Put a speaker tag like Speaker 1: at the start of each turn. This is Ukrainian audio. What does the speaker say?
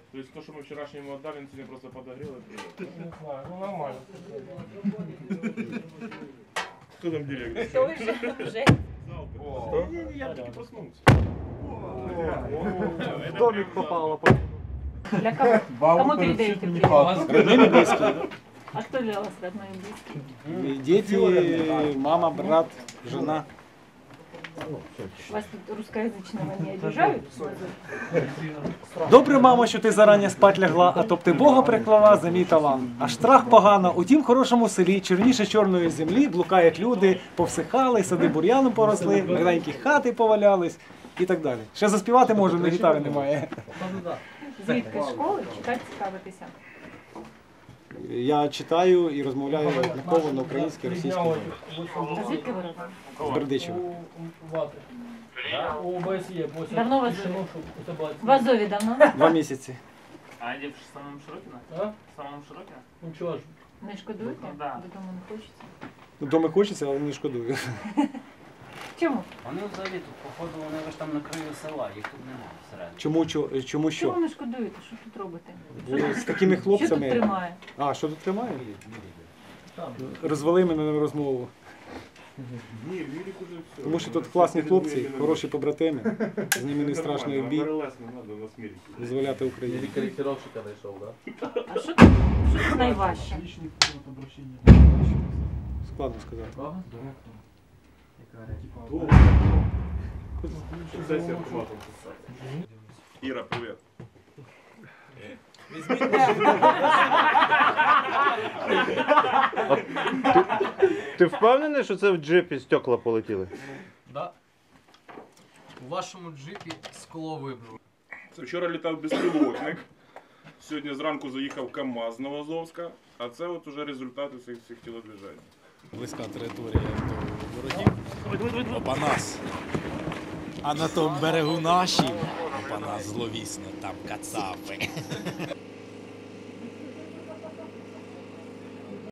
Speaker 1: То есть то, что мы вчерашнему отдали, он сегодня просто подогрел и привет.
Speaker 2: Не знаю, ну нормально.
Speaker 1: Кто там директор?
Speaker 3: Все уже.
Speaker 1: Не, я таки проснулся.
Speaker 2: В домик попало.
Speaker 3: Для кого? Кому передаете привет?
Speaker 4: Родные и близкие.
Speaker 3: А кто для вас родной и близкий?
Speaker 4: Дети, мама, брат, жена.
Speaker 3: Вас тут русскоязычного не обижают?
Speaker 4: Добре, мамо, що ти зарані спать лягла, а то б ти Бога приклала за мій талант. Аж страх погано, у тім хорошому селі, чорніше чорної землі, блукають люди, повсихали, сади бур'яном поросли, маленькі хати повалялись і так далі. Ще заспівати можу, але гітари немає.
Speaker 3: Звідки школи читати цікавитися?
Speaker 4: Я читаю і розмовляю однаково на українській, російській мові.
Speaker 3: А звідки ви родом?
Speaker 4: З Бердичева.
Speaker 3: Давно у вас живе? В Азові давно?
Speaker 4: 2 місяці.
Speaker 5: А где в самом Широкино?
Speaker 2: А?
Speaker 5: В самом Широкино?
Speaker 2: Ну чого ж?
Speaker 3: Не шкодуєте?
Speaker 5: Да.
Speaker 3: Додому не хочеться?
Speaker 4: Дома хочеться, але не шкодую.
Speaker 3: Чому?
Speaker 6: Вони взагалі тут, походу, вони ж там на краю села, їх тут немає всередині.
Speaker 4: Чому що?
Speaker 3: Чому не шкодуєте? Що тут робите?
Speaker 4: Бо з такими
Speaker 3: Що тут
Speaker 4: хлопцями.
Speaker 3: тримає?
Speaker 4: А, що тут тримає? Розвели мене на розмову.
Speaker 1: Ні, Вілік уже все.
Speaker 4: Тому що тут класні хлопці, хороші побратими. З ними не страшно і в бій.
Speaker 1: РЛС не треба, нас мірить.
Speaker 4: Визволяти Україну.
Speaker 7: Корректировщика нашел, да?
Speaker 3: А що тут найважче?
Speaker 4: Складно сказати.
Speaker 1: Сесія автоматом. Іра, привіт.
Speaker 7: Ти впевнений, що це в джипі стекла полетіли?
Speaker 8: Да. У вашому джипі скло вибило.
Speaker 1: Це вчора літав безпілотник. Сьогодні зранку заїхав КАМАЗ з Новоазовська. А це от уже результати цих тілодвіжень.
Speaker 9: Близька територія до ворогів. Опанас. А на тому берегу наші. Опанас зловісно, там кацапи.